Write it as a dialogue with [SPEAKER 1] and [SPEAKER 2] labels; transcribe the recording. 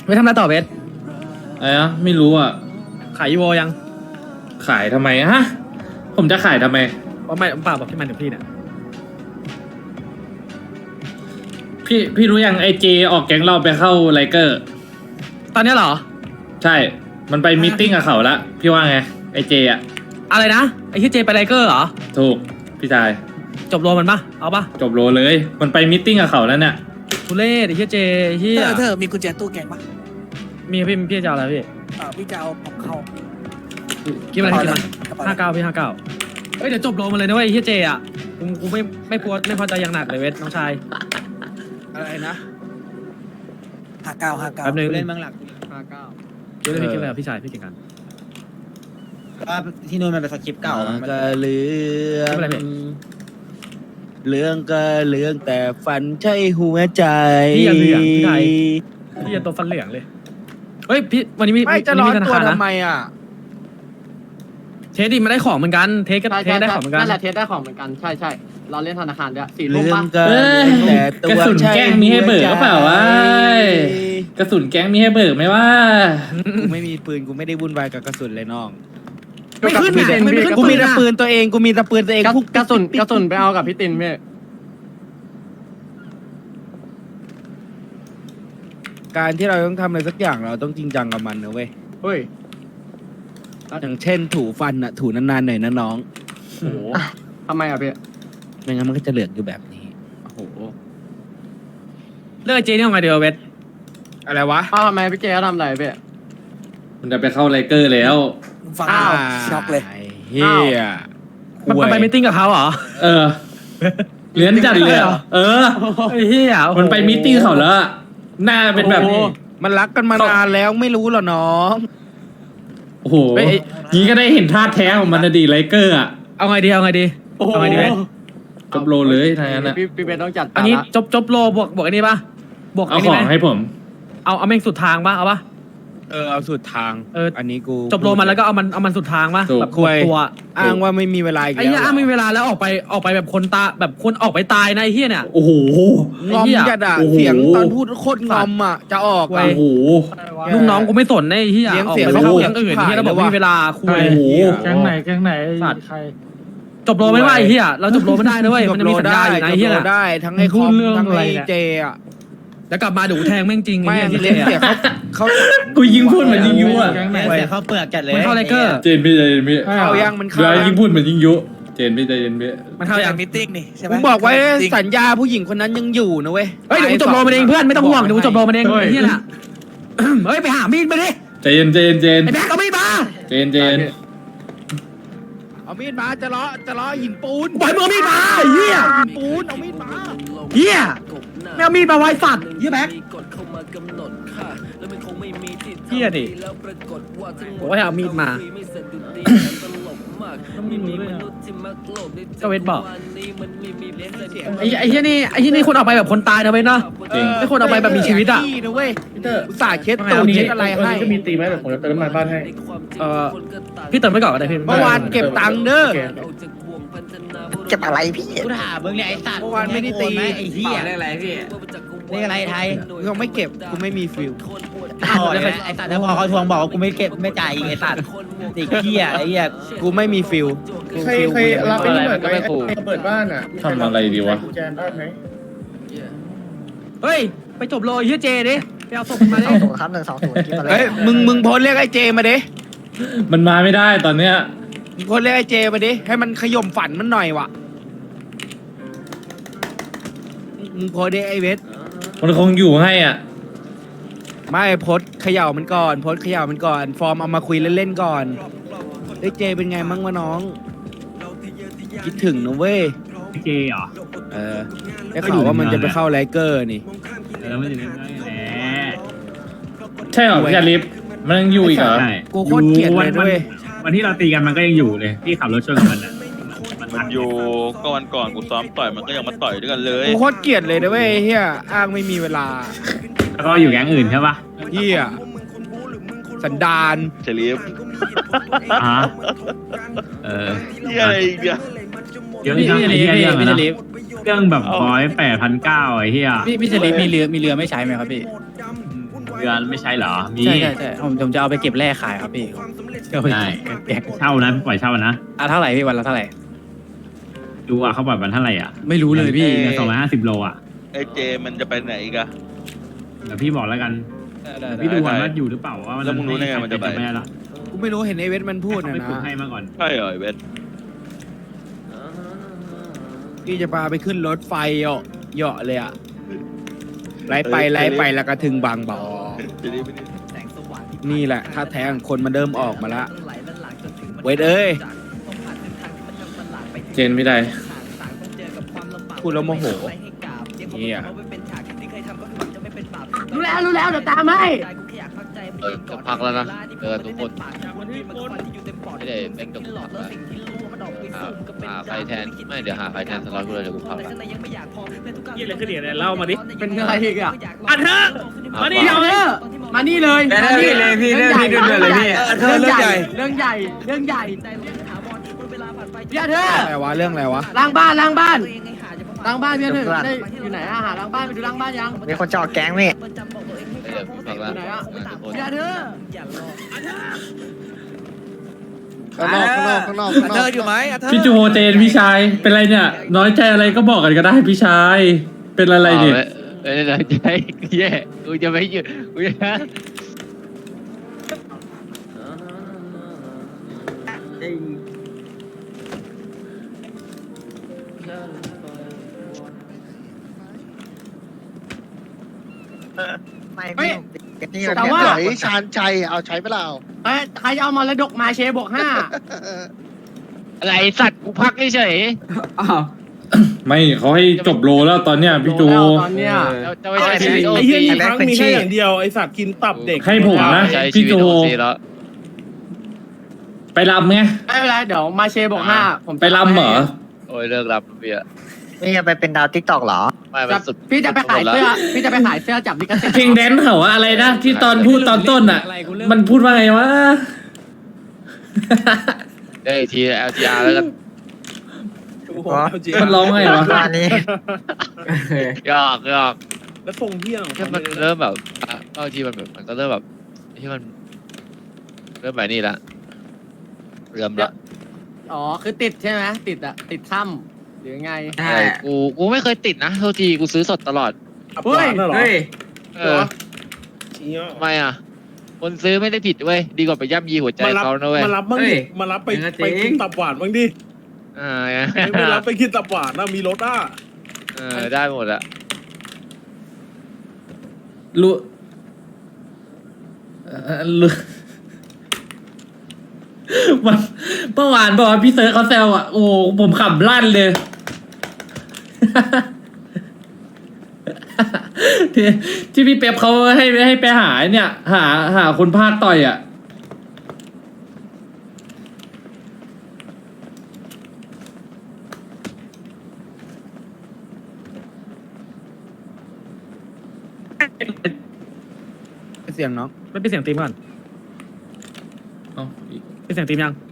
[SPEAKER 1] ไม่ทำอะไรต่อเบส
[SPEAKER 2] อะไรนะไม่รู้อ่ะ
[SPEAKER 1] ขายอีโวยัง
[SPEAKER 2] ขายทำไมฮะ ผมจะขายทำไม
[SPEAKER 1] ว่าไม่เปล่าบอกที่มันถึงพี่เนี่ย
[SPEAKER 2] พี่รู้ยังไอเจออกแก๊งเราไปเข้าไลเกอร์
[SPEAKER 1] ตอนนี้เหรอ
[SPEAKER 2] ใช่ มันไปมีตติ้งกับเขาละพี่ว่าไงไอเจอะ
[SPEAKER 1] อะไรนะไอ้ที่เจไปไลเกอร์เหรอ
[SPEAKER 2] ถูกพี่ชาย
[SPEAKER 1] จบโรมันปะเอาปะ
[SPEAKER 2] จบโลเลย มันไปมีตติ้งกับเขาแล้วเนี่ย
[SPEAKER 1] ทุเรศไอ้ที่เจไอ้ที่
[SPEAKER 3] เธอมีกุญแจตู้แกงปะ
[SPEAKER 1] พี่จะเอาอะไรพี่
[SPEAKER 3] พี่จะเอาผมเข้า
[SPEAKER 1] คิดอะไรคิดมัน59พี่59เฮ้ยเดี๋ยวจบโรมันเลยนะเว้ยไอ้ที่เจอ่ะกูไม่พอใจอย่างหนักเลยเวทน้องชาย
[SPEAKER 3] อะไรนะ59
[SPEAKER 1] แป๊บนึง
[SPEAKER 4] เล่นบางหลัก59
[SPEAKER 1] เดี๋ยวพี่คิดอะไรกับพี่ชายพี่เก่งกัน
[SPEAKER 4] ว่าที่นู่นมันเป็นสคริปต์เก่ามัน
[SPEAKER 5] ก็เรื่องเรื่องก็เรื่องแต่ฝันใช่หัวใจ
[SPEAKER 1] พี่อย่าเหลืองพี่ไทยพี่อย่าตัวฟันเหลืองเลยเฮ้ยพี่วันนี้มี
[SPEAKER 5] ไม่จะ
[SPEAKER 1] วัน
[SPEAKER 5] ร้
[SPEAKER 1] นี้
[SPEAKER 5] อน
[SPEAKER 1] มีธนา
[SPEAKER 5] ตัว
[SPEAKER 1] คารนะ
[SPEAKER 5] ทำไมอ่ะ
[SPEAKER 1] เทสดิมาได้ของเหมือนกันเทสก็เทสได้ของเหมือนกัน
[SPEAKER 6] นั่นแหละเทสได้ของเหมือนกันใช่ใช่เราเล่นธนาคารด้วย4
[SPEAKER 5] เรื่
[SPEAKER 6] ลูก
[SPEAKER 5] อ
[SPEAKER 6] ปะ
[SPEAKER 5] งก็
[SPEAKER 2] เอ้ย
[SPEAKER 5] แต่ตัว
[SPEAKER 2] กระสุนแกล้งมีให้เบิกหรือเปล่าวะ กระสุนแก๊งมีให้เบิกไหมว่า
[SPEAKER 5] กูไม่มีปืนกูไม่ได้วุ่นวายกับกระสุนเลยน้อง
[SPEAKER 1] ไม่ขึ้นอ่ะไม่ขึ้น
[SPEAKER 5] กูมีแต่ปื
[SPEAKER 1] น
[SPEAKER 5] นตัวเองกูมีแต่ปืนตัวเองพว
[SPEAKER 6] กระสุนไปเอากับพี่ตินพี่
[SPEAKER 5] การที่เราต้องทำอะไรสักอย่างเราต้องจริงจังกับมันนะเว้ย
[SPEAKER 6] เฮ้ย
[SPEAKER 5] อย่างเช่นถูฟันอ่ะถูนานๆหน่อยนะน้อง
[SPEAKER 6] โอ้โหทำไมอ่ะพี่
[SPEAKER 5] ไม่งั้นมันก็จะเหลืองอยู่แบบนี้
[SPEAKER 6] โอ้โห
[SPEAKER 1] เลิกเจนี่เอาไงเดียวเวท
[SPEAKER 5] อะไรวะ
[SPEAKER 6] อ้าวทำไมพี่เจเขาทำอะไรพี่
[SPEAKER 2] มันจะไปเข้าไลเกอร์แล้ว
[SPEAKER 3] ฟัง
[SPEAKER 6] อ้าว
[SPEAKER 3] ช็อกเลย
[SPEAKER 5] ไอ้เฮีย
[SPEAKER 1] มันไปมิทติ้งกับเขาเหรอ
[SPEAKER 2] เออเลี้ยนจัดเลยอะเออ
[SPEAKER 1] ไอ้เหี้ยโอ้โห
[SPEAKER 2] มันไปมีตติ้งเขาแล้วอะหน้าเป็นแบบนี้
[SPEAKER 5] มันรักกันมานานแล้วไม่รู้เหรอน้อง
[SPEAKER 2] โอ้โหนี้ก็ได้เห็นท่าแท้ของมันนะดีไลเกอร์อะ
[SPEAKER 1] เอาไงดีเอาไงดี
[SPEAKER 6] โอ้โห
[SPEAKER 1] เอาไงดีเวท
[SPEAKER 2] จบโลเลยทางนั้นอะ
[SPEAKER 6] พี่เบนต้องจัด
[SPEAKER 1] อั
[SPEAKER 6] กาน ร
[SPEAKER 1] นี้
[SPEAKER 6] ละ
[SPEAKER 1] จบโลบวกอันนี้ปะบวก
[SPEAKER 2] เอา
[SPEAKER 1] อัน
[SPEAKER 2] ข
[SPEAKER 1] นี้
[SPEAKER 2] อ
[SPEAKER 1] ไหม
[SPEAKER 2] งให้ผม
[SPEAKER 1] เอาแม่งสุดทางปะเอาปะ
[SPEAKER 5] เอาสุดทาง
[SPEAKER 1] เออ
[SPEAKER 5] อันนี้กู
[SPEAKER 1] จบโลมันแล้วก็เอามันสุดทางปะ
[SPEAKER 2] ถูก
[SPEAKER 1] แบบ
[SPEAKER 5] คุย
[SPEAKER 1] ตัว
[SPEAKER 5] อ้างว่าไม่มีเวลาอีก
[SPEAKER 1] ไอ้
[SPEAKER 5] แล้ว
[SPEAKER 1] เหี้ยไม่มีเวลาแล้วออกไปแบบคนตาแบบคนออกไปตายนะไอ้เหี้ยเนี่ย
[SPEAKER 2] โอ้โห
[SPEAKER 5] งอม
[SPEAKER 1] ไอ้เหี้ย
[SPEAKER 5] จัดอะ
[SPEAKER 2] โอ้โห
[SPEAKER 5] เสียงตอนพูดโคตรงอมอะจะออก
[SPEAKER 1] ไว้
[SPEAKER 5] อะ
[SPEAKER 2] โอ้โห
[SPEAKER 1] ลูกน้องกูไม่สนนะไอ้เหี้ย
[SPEAKER 5] เลี้ยง
[SPEAKER 1] ออก
[SPEAKER 5] เสียง
[SPEAKER 1] ไปเข้า
[SPEAKER 5] เขา
[SPEAKER 1] แก๊งอื่นเหี้ยแล้วบอกไม่มีเวลาคุย
[SPEAKER 2] โอ้โห
[SPEAKER 4] แก๊งไหน
[SPEAKER 1] สัตว์จบโลไม่ว่าไอ้เหี้ยเราจบโลไม่ได้นะเว้ยมันจะมีสัญญาอยู่นะไอ้เหี้ย
[SPEAKER 5] จบ
[SPEAKER 1] น่ะ
[SPEAKER 5] โลได้ทั้งไอ้คอมทั้งไอ้เจอะ
[SPEAKER 1] แล้วกลับมาเดี๋ยวกูแทงแม่งจริงไอ้
[SPEAKER 5] ไม่
[SPEAKER 1] เหี้ยที่
[SPEAKER 5] เลี้ยงเสีย
[SPEAKER 1] เจ๊
[SPEAKER 5] เขา
[SPEAKER 2] กูยิงพูดเหมือนยิงยุอะ
[SPEAKER 4] แก๊งไหนเสียข้าวเปลือกจัดเลย
[SPEAKER 1] มันเข้าไลเกอร์
[SPEAKER 2] เจนพี่ใจเย็นพี่
[SPEAKER 5] เขายังมัน
[SPEAKER 2] เว
[SPEAKER 5] เข้า
[SPEAKER 2] ลา
[SPEAKER 5] ยั
[SPEAKER 2] ยิ
[SPEAKER 5] ง
[SPEAKER 2] งพูดเหมือนยิงยุเจนพี่ใจเย็นพี่
[SPEAKER 1] มันเข้าอย่าง
[SPEAKER 3] มิทติ้งนี่ใช่ไหม
[SPEAKER 5] กูบอกไว้สัญญาผู้หญิงคนนั้นยังอยู่นะเว้ย
[SPEAKER 1] เฮ้ยเดี๋ยวกูจบโลมันเองเพื่อนไม่ต้องห่วงเดี๋ยวกูจบโลมันเองไอ้เหี้ยน่ะเฮ้ยไปหามีดมาดิ
[SPEAKER 2] ใจเย็นใจเย็นใจเย็น
[SPEAKER 1] ไอ้แบ๊กเอามีดมา
[SPEAKER 2] ใจเย็นใจเย็น
[SPEAKER 5] เอามีดมาจะเลาะหินปูน
[SPEAKER 1] ปล่อยมือมีดมาไอ้เหี้ย
[SPEAKER 5] หินปูนเอามีดมา
[SPEAKER 1] เหี้ยไม่เอามีดมาไว้สัตว์เหี้ยแบ๊กเหี้ยดิบอกว่าให้เอามีดมาก็เวทบอกไอ้เหี้ยนี่คนออกไปแบบคนตายนะเว้ยเนาะ
[SPEAKER 2] จริง
[SPEAKER 1] ไม่คนเอาไปแบบมีชีวิตอ่ะ
[SPEAKER 5] พี่นะเว้ยอุตส่าห์เช็ดตูดเช็ดอะไรให้
[SPEAKER 4] ก็มีตีไหมแบบผมจะเติมน้ำมันบ้านให้
[SPEAKER 1] พี่เติมไว้ก่อนก็ได้พี่
[SPEAKER 5] เมื่อวานเก็บตังค์เด้อ
[SPEAKER 3] เก็บอะไรพี่
[SPEAKER 4] กูถามมึงเนี่ยไอ้สัตว์
[SPEAKER 5] เมื่อวานไม่ได้ตี
[SPEAKER 4] ไอ้เหี้ยเรียกอะไรพี่เรียกอะไรไทย
[SPEAKER 5] ยังไม่เก็บกูไม่มีฟิล
[SPEAKER 4] อ๋อไอ้สัตว์แล้วพอเขาทวงบอกว่ากูไม่เก็บไม่จ่ายอีกไอ้สัตว์ไอ้เหี้ยไอ้เหี้ย
[SPEAKER 5] กูไม่มีฟิล
[SPEAKER 7] ใครรับไอ้นี่เปิดไหมเปิดบ้านอ่ะ
[SPEAKER 2] ทำอะไรดีวะ
[SPEAKER 7] กุญแจบ้านไหม
[SPEAKER 1] เฮ้ยไปจบโลไอ้เหี้ยเจดิไปเอาศพมาดิ
[SPEAKER 3] 20ครับ120กินมาเลย
[SPEAKER 5] เฮ้ยมึงโพสเรียกไอ้เจมาดิ
[SPEAKER 2] มันมาไม่ได้ตอนเนี้ย
[SPEAKER 5] มึงโพสเรียกไอ้เจมาดิให้มันขย่มฝันมันหน่อยวะมึงโพสดิไอ้เวท
[SPEAKER 2] มันคงอยู่ให้อ่ะ
[SPEAKER 5] ไม่โพสเขย่ามันก่อนโพสเขย่ามันก่อน ฟอร์มเอามาคุยเล่นๆก่อนไอ้ยเจเป็นไงมั่งวะน้อง คิดถึงนะเว้ย
[SPEAKER 4] เจเหรอ
[SPEAKER 5] เออได้ข่าวว่ามันจะไปเข้าไลเกอร์นี่
[SPEAKER 4] มันอยู่ในนั้นแหละ
[SPEAKER 2] ใช่เหรอพี่ชาลิฟมันยังอยู่อีกเหรอ
[SPEAKER 5] กูโคตรเกลียดเลยด้วย
[SPEAKER 4] วันที่เราตีกันมันก็ยังอยู่เลยที่ขับรถชนกับมันอ่ะ
[SPEAKER 8] มันอยู่ก็วันก่อนกูซ้อมต่อยมันก็ยังมาต่อยด้วยกันเลย
[SPEAKER 5] กูโคตรเกลียดเลยนะเว้ยเฮียอ้างไม่มีเวลา
[SPEAKER 4] แล้วก็อยู่แก๊งอื่นใช่ปะ
[SPEAKER 5] เฮียสันดาน
[SPEAKER 8] เฉลียบ
[SPEAKER 4] อ่าเออ
[SPEAKER 8] เฮียอะไรอีกเนี่ย
[SPEAKER 4] เดี๋ยวไอ้เหี้ยเรื่องนะเรื่องแบบ108,900ไอ้เหี้ย
[SPEAKER 9] พี่เฉลีมีเรือไม่ใช้ไหมครับพี่เดือนไม่ใช่เหรอมี
[SPEAKER 4] ใช่ใช่ใช่ผมจะเอาไปเก็บแร่ขายครับพี่เอาไป
[SPEAKER 9] ได้
[SPEAKER 4] แกะ
[SPEAKER 9] เช่านะปล่อยเช่านะ
[SPEAKER 4] เท่าไหร่พี่วันละเท่าไหร่
[SPEAKER 9] ดูอ่ะเขาปล่อยวันเท่าไหร่อ่ะ
[SPEAKER 4] ไม่รู้เลยพี่
[SPEAKER 9] เดือน250 โลอ่ะ
[SPEAKER 8] ไอ้เจมันจะไปไหนอีกอะ
[SPEAKER 9] เดี๋ยวพี่บอกแล้วกันพี่ดูก่อนว่าอยู่หรือเปล่าว่า
[SPEAKER 8] แล้วมึงรู้ได้ไงมันจะไป
[SPEAKER 9] ม่ละ
[SPEAKER 5] กูไม่รู้เห็นไอเวทมันพูด
[SPEAKER 9] เขา
[SPEAKER 5] นะ
[SPEAKER 9] ไปฝึก
[SPEAKER 5] นะ
[SPEAKER 9] ให้มาก่อน
[SPEAKER 8] ใช่เหรอไอ้เวท
[SPEAKER 5] พี่จะพาไปขึ้นรถไฟเหาะเลยอะไล่ไปแล้วก็ถึงบางบ่อ
[SPEAKER 8] จะได้ไม่ได้
[SPEAKER 5] นี่แหละถ้าแท้งคนมันเริ่มออกมาละเวทเอ้ย
[SPEAKER 2] เจนไม่ได้
[SPEAKER 5] พูดแล้วโมโหเฮีย
[SPEAKER 6] รู้แล้วเดี๋ยวตามให้
[SPEAKER 10] จะพักแล้วนะทุกคนไม่ได้แม่งจบพักแล้วหาใครแทนไม่เดี๋ยวหาใครแทนสล็อตกูเลยเดี๋ยวกูพักแล้ว
[SPEAKER 1] ยี่อะไรขึ้นเนี่ยเล่ามาดิ
[SPEAKER 6] เป็นอะไรอีกอ่ะ
[SPEAKER 1] อันเถอะมาดิ
[SPEAKER 6] เดี๋ยวมานี่เลยมานี่เลยพี่เรื่องใหญ่เรื่องใหญ่เรื่องใหญ่พี่อาเธอ
[SPEAKER 5] อะไรวะเรื่องอะไรวะ
[SPEAKER 6] ล้างบ้านพี่อาเธอได้อยู่ไหนอะหาล้างบ้านไปดูล้างบ้านยัง
[SPEAKER 3] มีคนจะออกแก๊งพี่
[SPEAKER 10] เดี๋ยวกูพักแล้วทุกคน
[SPEAKER 6] พี่อาเธอ
[SPEAKER 7] ข้างนอก
[SPEAKER 5] อาเธออยู่ไหมอาเธอ
[SPEAKER 2] พี่จูโฮเจนพี่ชายเป็นไรเนี่ย น้อยใจอะไรก็บอกกันก็ได้พี่ชายเป็นอะไรเนี่ย
[SPEAKER 10] ไม่ได้ตั้งใจแย่กูจะไม่หยุดกูจะ
[SPEAKER 3] ไม่นี่
[SPEAKER 6] แต่ว่า
[SPEAKER 7] ชานชัยเอาใช้เปล่า
[SPEAKER 6] ใครเอามรดกมาเชบวก
[SPEAKER 10] อะไรสัตว์กูพักเฉย
[SPEAKER 2] ไม่เขาให้จบโลแล้วตอนเนี้ย
[SPEAKER 6] 5
[SPEAKER 2] พี่จู
[SPEAKER 6] ตอนเนี้ย
[SPEAKER 10] จะไม่ใช่ชีวิตโอ
[SPEAKER 3] ไอ้
[SPEAKER 10] ซี
[SPEAKER 3] เหี้ยครั้งมีแค่อย่างเดียว
[SPEAKER 2] ให้ผมนะ
[SPEAKER 10] ใช้ชี
[SPEAKER 2] พี่
[SPEAKER 10] วิต
[SPEAKER 2] จู
[SPEAKER 10] โอซีแล้ว
[SPEAKER 2] ไปรำไง
[SPEAKER 6] ไม่เป็นไรเดี๋ยวมาเชบวก5ผม
[SPEAKER 2] ไปรำเหรอ
[SPEAKER 10] โอ้ยเลิกรับเบียร์
[SPEAKER 3] นี่จะไปเป็นดาวทิกตอกเหรอ
[SPEAKER 10] ไม่มันสุด
[SPEAKER 6] พี่จะไปขายเสื้อจับลิขสิทธิ์
[SPEAKER 2] เพลงแดนซ์เขาว่าอะไรนะที่ตอนพูดตอนต้นอ่ะ มันพูดว่าไงวะ
[SPEAKER 10] ได้ที LTR แล้วกัน
[SPEAKER 2] มันร้องไงวะ
[SPEAKER 3] อันนี้
[SPEAKER 10] หยอก
[SPEAKER 7] แล้วทรงเพี้ยง
[SPEAKER 10] แค่มันเริ่มแบบบางทีมันแบบมันก็เริ่มแบบที่มันเริ่มแบบนี้ละเริ่มละ
[SPEAKER 6] อ๋อคือติดใช่ไหมติดถ้ำหรือไง
[SPEAKER 10] ใช่กูไม่เคยติดนะโทษทีกูซื้อสดตลอด
[SPEAKER 6] เฮ้ย
[SPEAKER 10] เออทำไมอ่ะ คนซื้อไม่ได้ผิดเว้ยดีกว่าไปย่ำยีหัวใจเขานะเว้ย
[SPEAKER 7] มารับบ้างดิมารับไปกินตับหวานบ้างดิ ไม่รับไปกินตับหวานนะมีรถอ่ะ
[SPEAKER 10] ได้หมดอะ
[SPEAKER 2] รู้รู้มันเมื่อวานบอกว่าพี่เซิร์ชเขาแซวอ่ะโอ้ผมขำลั่นเลย ที่พี่เป๊ปเขาให้ไปหาเนี่ย หาคนพาดต่อยอ่ะ
[SPEAKER 5] เสียงน้อง
[SPEAKER 1] ไม่เป็นเสียงตีมก่อน
[SPEAKER 2] เอ้า
[SPEAKER 1] เป็นเสียงตีมยัง